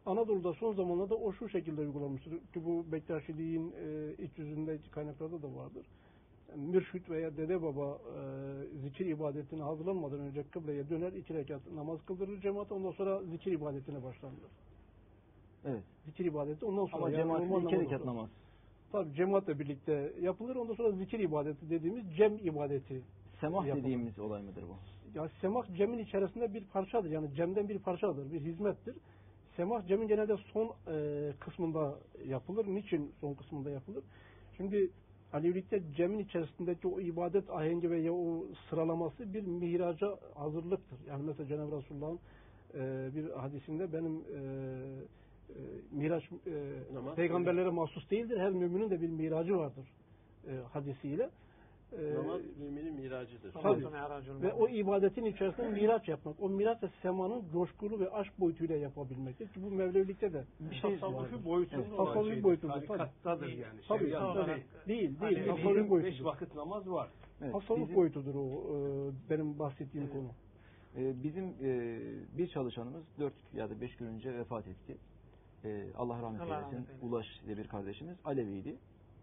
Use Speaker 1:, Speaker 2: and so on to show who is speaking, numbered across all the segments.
Speaker 1: Anadolu'da son zamanlarda o şu şekilde uygulanmıştır. Ki bu Bektaşiliğin iç yüzünde kaynaklarda da vardır. Yani mürşit veya dede baba zikir ibadetine hazırlanmadan önce kıbleye döner, 2 rekat namaz kıldırır cemaat, ondan sonra zikir ibadetine başlanır.
Speaker 2: Evet.
Speaker 1: Zikir ibadeti ondan sonra.
Speaker 2: Ama cemaatle 2 rekat namaz.
Speaker 1: Tabii cemaatle birlikte yapılır. Ondan sonra zikir ibadeti dediğimiz cem ibadeti.
Speaker 2: Semah
Speaker 1: yapılır.
Speaker 2: dediğimiz olay mıdır bu?
Speaker 1: Ya semah cemin içerisinde bir parçadır. Yani cemden bir parçadır, bir hizmettir. Semah cemin genelde son kısmında yapılır. Niçin son kısmında yapılır? Şimdi Alevilikte cemin içerisindeki o ibadet ahengi veya o sıralaması bir mihraca hazırlıktır. Yani mesela Cenab-ı Resulullah'ın bir hadisinde benim miraç peygamberlere mahsus değildir. Her müminin de bir miracı vardır hadisiyle.
Speaker 3: Namaz müminin miracıdır.
Speaker 1: Tabii. Ve o ibadetin içerisinde miraç yapmak. O miraç da semanın coşkulu ve aşk boyutuyla yapabilmektir. Ki bu Mevlevilikte de
Speaker 4: bir şey tasavvufi boyutunda olan
Speaker 1: tasavvufi boyutudur.
Speaker 4: Tarikattadır yani.
Speaker 1: Tabii. Değil.
Speaker 4: Tasavvufi boyutudur. 5 vakit namaz var.
Speaker 1: Evet, tasavvuf boyutudur o benim bahsettiğim konu.
Speaker 2: Bizim bir çalışanımız 4 ya da 5 gün önce vefat etti. Allah rahmet eylesin. Ulaş diye bir kardeşimiz Aleviydi.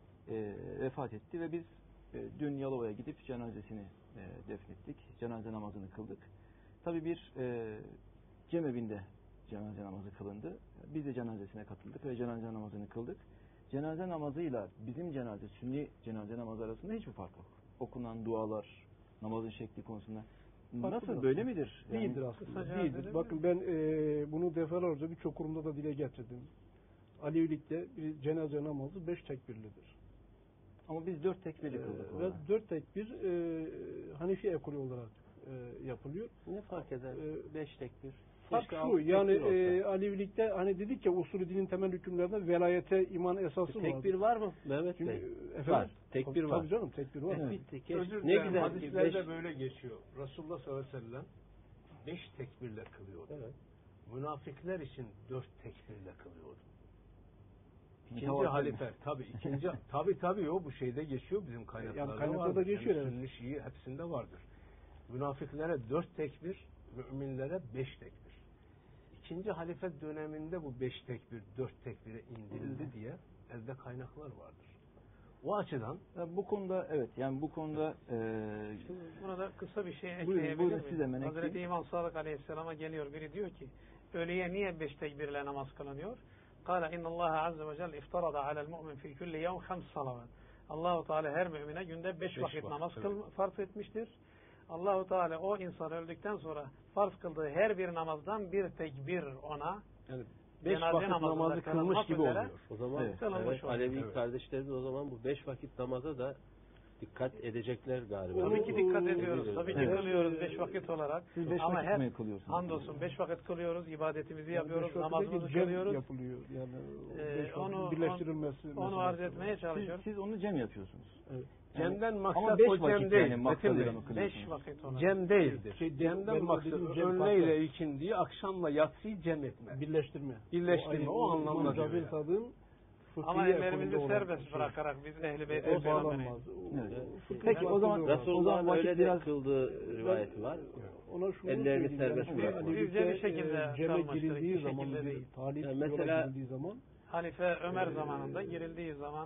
Speaker 2: Vefat etti ve biz dün Yalova'ya gidip cenazesini defnettik. Cenaze namazını kıldık. Tabii bir cemevinde cenaze namazı kılındı. Biz de cenazesine katıldık ve cenaze namazını kıldık. Cenaze namazıyla bizim cenaze, sünni cenaze namazı arasında hiçbir fark yok. Okunan dualar, namazın şekli konusunda. Nasıl, böyle midir?
Speaker 1: Yani, değildir aslında. Değildir. Bakın ben bunu defalarca birçok kurumda da dile getirdim. Alevilikte bir cenaze namazı 5 tekbirlidir.
Speaker 2: Ama biz 4 tekbirli kıldık.
Speaker 1: Ve 4 tekbir Hanefi ekolü olarak yapılıyor.
Speaker 3: Ne fark eder? 5 tekbir.
Speaker 1: Fark şu, yani Alevilikte hani dedik ya usulü dinin temel hükümlerinde velayete iman esası var.
Speaker 3: Tekbir var mı Mehmet Bey?
Speaker 1: Efendim?
Speaker 3: Var. Tekbir var.
Speaker 1: Tabii canım, tekbir var.
Speaker 4: Ne güzel. Hadislerde böyle geçiyor. Resulullah sallallahu aleyhi ve sellem 5 tekbirle kılıyordu. Evet. Münafıklar için 4 tekbirle kılıyordu. İkinci halife tabii o bu şeyde geçiyor, bizim kaynaklarda
Speaker 1: yani kaynaklarda geçiyor.
Speaker 4: Yani Sünni, Şii hepsinde vardır. Münafıklara 4 tekbir, müminlere 5 tekbir. İkinci halife döneminde bu 5 tekbir 4 tekbire indirildi diye elde kaynaklar vardır. O açıdan
Speaker 2: bu konuda bu konuda
Speaker 5: burada kısa bir şey ekleyebilir miyim? Hazreti İmam Sadık Aleyhisselam'a geliyor biri, diyor ki ölüye niye 5 tekbirle namaz kılınıyor? قال إن الله عز وجل افترض على المؤمن في كل يوم 5 صلوات. Allahu Teala her mümine günde 5 vakit namaz farz etmiştir. Allahu Teala o insan öldükten sonra farz kıldığı her bir namazdan bir tekbir ona,
Speaker 3: yani 5 vakit namazı kılmış gibi oluyor. O zaman Alevi kardeşlerimiz o zaman bu 5 vakit namaza da dikkat edecekler galiba.
Speaker 5: Tabii ki dikkat ediyoruz. Tabii ki kılıyoruz 5 vakit olarak.
Speaker 2: Siz 5
Speaker 5: ama
Speaker 2: vakit mi kılıyorsunuz?
Speaker 5: Hamdolsun 5 vakit kılıyoruz, ibadetimizi yapıyoruz, namazımızı kılıyoruz.
Speaker 1: Yapılıyor. Yani birleştirilmesi.
Speaker 5: Onu arz etmeye çalışıyoruz.
Speaker 2: Siz onu cem yapıyorsunuz. Evet.
Speaker 4: Cem'den maksat o cem değil.
Speaker 2: Yani
Speaker 5: 5 vakit olarak.
Speaker 4: Cem değildir. Cem'den maksat öğleyle ikindiyi, akşamla yatsıyı cem etme.
Speaker 1: Birleştirme.
Speaker 4: O anlamda
Speaker 1: Cabir Sad'ın
Speaker 5: ama ellerimizi serbest bırakarak biz Ehl-i Beyt'e
Speaker 1: bağlanmaz.
Speaker 2: Peki o zaman
Speaker 3: Resulullah'ın öyle de kıldığı rivayeti var. Ellerini serbest bırakmak.
Speaker 5: Bizce bir şekilde
Speaker 1: ceme girildiği zaman,
Speaker 3: mesela
Speaker 1: girildiği zaman,
Speaker 5: Halife Ömer zamanında girildiği zaman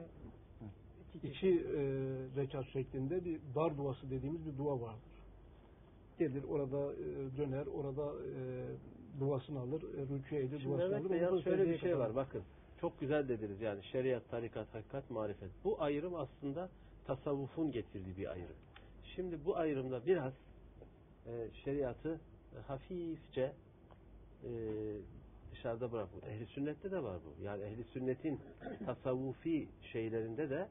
Speaker 1: 2 rekat şeklinde bir dar duası dediğimiz bir dua vardır. Gelir orada döner, orada duasını alır, rükû edilir, duasını alır.
Speaker 3: Yalnız şöyle bir şey var, bakın. Çok güzel dediniz yani şeriat, tarikat, hakikat, marifet. Bu ayrım aslında tasavvufun getirdiği bir ayrım. Şimdi bu ayrımda biraz şeriatı hafifçe dışarıda bırakmak. Ehli sünnette de var bu. Yani ehli sünnetin tasavvufi şeylerinde de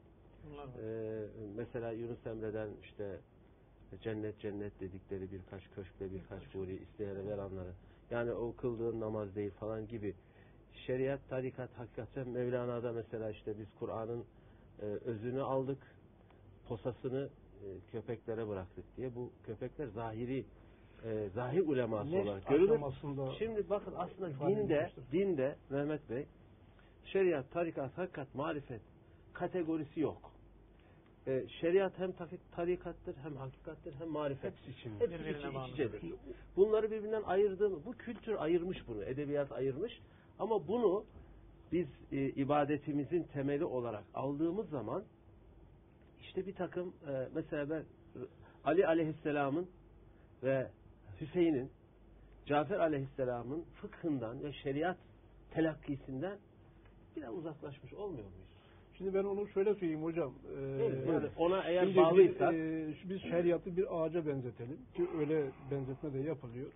Speaker 3: mesela Yunus Emre'den işte cennet dedikleri birkaç köşkle birkaç huri isteyene veranları. Yani o kıldığın namaz değil falan gibi. Şeriat, tarikat, hakikat, Mevlana'da mesela işte biz Kur'an'ın özünü aldık, posasını köpeklere bıraktık diye. Bu köpekler zahir uleması olarak görülür. Şimdi bakın aslında dinde Mehmet Bey şeriat, tarikat, hakikat, marifet kategorisi yok. Şeriat hem tarikattır, hem hakikattir, hem marifet. Hepsi iç içedir. Bunları birbirinden ayırdığımı, bu kültür ayırmış bunu, edebiyat ayırmış. Ama bunu biz ibadetimizin temeli olarak aldığımız zaman işte bir takım mesela ben Ali aleyhisselamın ve Hüseyin'in, Cafer aleyhisselamın fıkhından ve şeriat telakkisinden biraz uzaklaşmış olmuyor muyuz?
Speaker 1: Şimdi ben onu şöyle söyleyeyim hocam.
Speaker 3: Yani ona eğer bağlıysak
Speaker 1: biz şeriatı bir ağaca benzetelim ki öyle benzetme de yapılıyor.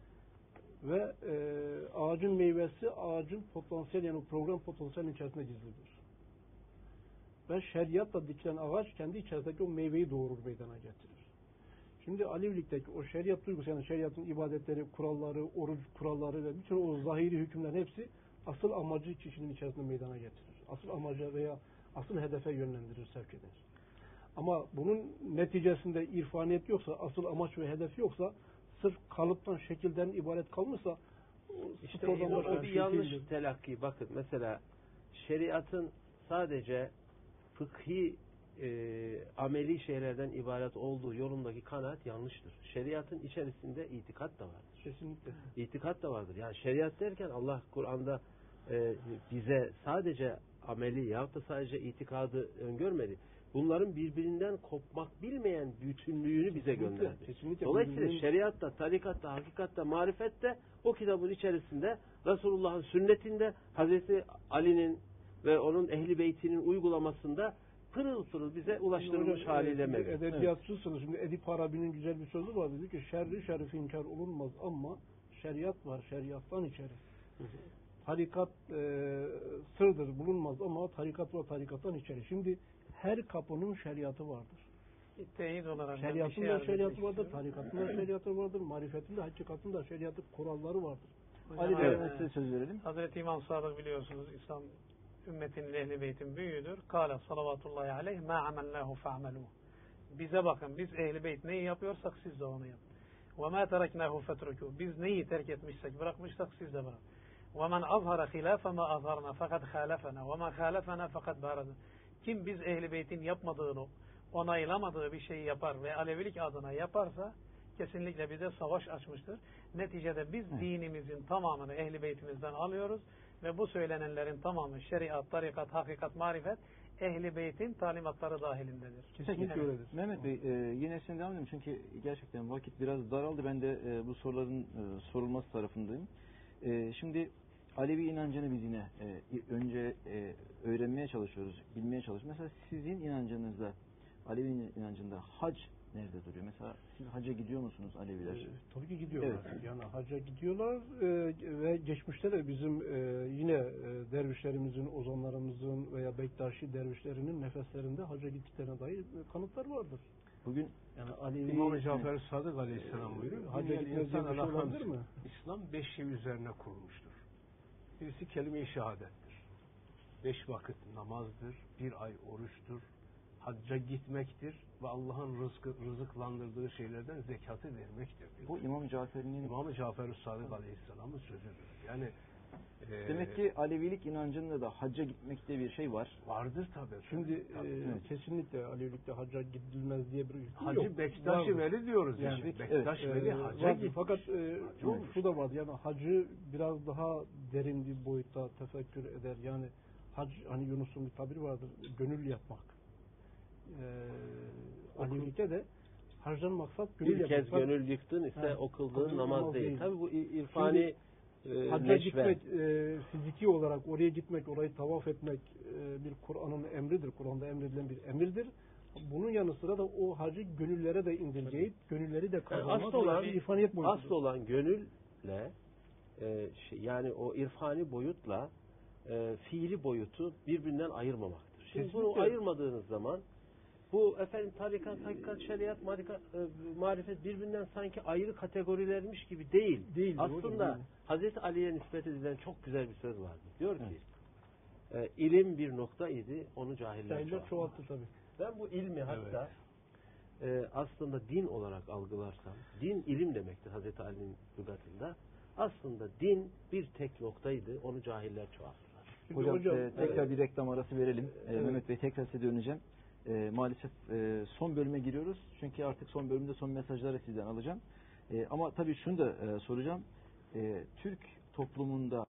Speaker 1: Ve ağacın meyvesi ağacın potansiyel yani program potansiyelinin içerisinde gizlidir. Ve şeriatla dikilen ağaç kendi içerisindeki o meyveyi doğurur, meydana getirir. Şimdi Alevilikteki o şeriat duygusu yani şeriatın ibadetleri, kuralları, oruç kuralları ve bütün o zahiri hükümlerin hepsi asıl amacı kişinin içerisinde meydana getirir. Asıl amaca veya asıl hedefe yönlendirir, sevk eder. Ama bunun neticesinde irfaniyet yoksa, asıl amaç ve hedef yoksa, sırf kalıptan, şekilden ibaret kalmışsa
Speaker 3: işte o bir yanlış telakki. Bakın mesela şeriatın sadece fıkhi ameli şeylerden ibaret olduğu yolundaki kanaat yanlıştır. Şeriatın içerisinde itikat da vardır.
Speaker 1: Kesinlikle.
Speaker 3: İtikat da vardır. Yani şeriat derken Allah Kur'an'da bize sadece ameli yahut da sadece itikadı öngörmedi. Bunların birbirinden kopmak bilmeyen bütünlüğünü bize gönderdi.
Speaker 1: Kesinlikle.
Speaker 3: Dolayısıyla şeriatta, tarikatta, hakikatta, marifette o kitabın içerisinde Resulullah'ın sünnetinde Hazreti Ali'nin ve onun ehli beytinin uygulamasında pırıl pırıl bize ulaştırılmış haliyle mevcut.
Speaker 1: Edebiyatçısınız. Şimdi Edip Arabi'nin güzel bir sözü var. Dedi ki şerri şerifi inkar olunmaz ama şeriat var. Şeriattan içeri. Tarikat sırdır bulunmaz ama tarikat var tarikattan içeri. Şimdi her kapının şeriatı vardır.
Speaker 5: Teyit olarak
Speaker 1: şeriatın da şeriatı vardır, tarikatın da şeriatı vardır, marifetin de hakikatin de şeriatı kuralları vardır.
Speaker 2: Size söz verelim.
Speaker 5: Hazreti İmam Sadık biliyorsunuz İslam ümmetinin ehli beytin büyüğüdür. Kâle salavatullahi aleyh mâ amellâhu fe'amelûh. Bize bakın biz ehli beyt neyi yapıyorsak siz de onu yapın. Ve mâ tereknâhu fetrukû. Biz neyi terk etmişsek bırakmışsak siz de bırakın. وَمَنْ أَظْهَرَ خِلَافَ مَا أَظْهَرْنَا فَقَدْ خَالَفَنَا وَمَنْ خَالَفَنَا فَقَدْ بَارَدَ. Kim biz ehli beytin yapmadığını, onaylamadığı bir şeyi yapar ve Alevilik adına yaparsa kesinlikle bize savaş açmıştır. Neticede biz dinimizin tamamını ehli beytimizden alıyoruz ve bu söylenenlerin tamamı şeriat, tarikat, hakikat, marifet ehli beytin talimatları dahilindedir.
Speaker 1: Kesinlikle öyledir.
Speaker 2: Mehmet Bey yine sizin devam edelim çünkü gerçekten vakit biraz daraldı. Ben de bu soruların sorulması tarafındayım. Şimdi Alevi inancını biz yine önce öğrenmeye çalışıyoruz, bilmeye çalışıyoruz. Mesela sizin inancınızda, Alevi inancında hac nerede duruyor? Mesela siz hacca gidiyor musunuz Aleviler?
Speaker 1: Tabii ki gidiyorlar.
Speaker 2: Evet.
Speaker 1: Yani hacca gidiyorlar ve geçmişte de bizim yine dervişlerimizin, ozanlarımızın veya Bektaşi dervişlerinin nefeslerinde hacca gittiklerine dair kanıtlar vardır.
Speaker 2: Bugün
Speaker 1: yani Alevi
Speaker 4: İmam-ı Cafer Sadık Aleyhisselam buyuruyor.
Speaker 1: Hacca gitmez diye bir şey olabilir mi?
Speaker 4: İslam 5 şey üzerine kurulmuştur. Birisi kelime-i şehadettir. 5 vakit namazdır, 1 ay oruçtur, hacca gitmektir ve Allah'ın rızıklandırdığı şeylerden zekatı vermektir.
Speaker 2: Bu İmam Cafer'in
Speaker 4: İmam-ı Cafer Sadık Aleyhisselam'ın sözüdür. Yani
Speaker 2: demek ki Alevilik inancında da hacca gitmekte bir şey var.
Speaker 4: Vardır tabii.
Speaker 1: Şimdi kesinlikle Alevilikte hacca gidilmez diye bir hüküm
Speaker 4: Hacı
Speaker 1: yok.
Speaker 4: Bektaş-ı Veli diyoruz yani. Bektaş Veli hacca gitti.
Speaker 1: Fakat şu da var yani hacı biraz daha derin bir boyutta tefekkür eder. Yani hac hani Yunus'un bir tabiri vardır. Gönül yapmak. Alevilikte de hacdan maksat gönül
Speaker 3: bir
Speaker 1: yapmak.
Speaker 3: kez gönül yıktın ise o kıldığın namaz değil. Tabii bu irfani
Speaker 1: hacca gitmek, fiziki olarak oraya gitmek, orayı tavaf etmek bir Kur'an'ın emridir. Kur'an'da emredilen bir emirdir. Bunun yanı sıra da o hacı gönüllere de indirgeyip, gönülleri de kazanmak bir irfaniyet boyutudur.
Speaker 3: Asıl olan gönülle yani o irfani boyutla fiili boyutu birbirinden ayırmamaktır. Şimdi bunu ayırmadığınız zaman bu tarikat, hakikat, şeriat, marifet birbirinden sanki ayrı kategorilermiş gibi değil. Aslında Hazreti Ali'ye nispet edilen çok güzel bir söz vardı. Diyor ki ilim bir nokta idi, onu cahiller
Speaker 1: çoğalttı tabii.
Speaker 3: Ben bu ilmi hatta aslında din olarak algılarsam, din ilim demektir Hazreti Ali'nin lügatında. Aslında din bir tek noktaydı, onu cahiller çoğalttılar.
Speaker 2: Hocam tekrar bir reklam arası verelim. Mehmet Bey tekrar size döneceğim. Maalesef son bölüme giriyoruz. Çünkü artık son bölümde son mesajları sizden alacağım. Ama tabii şunu da soracağım. Türk toplumunda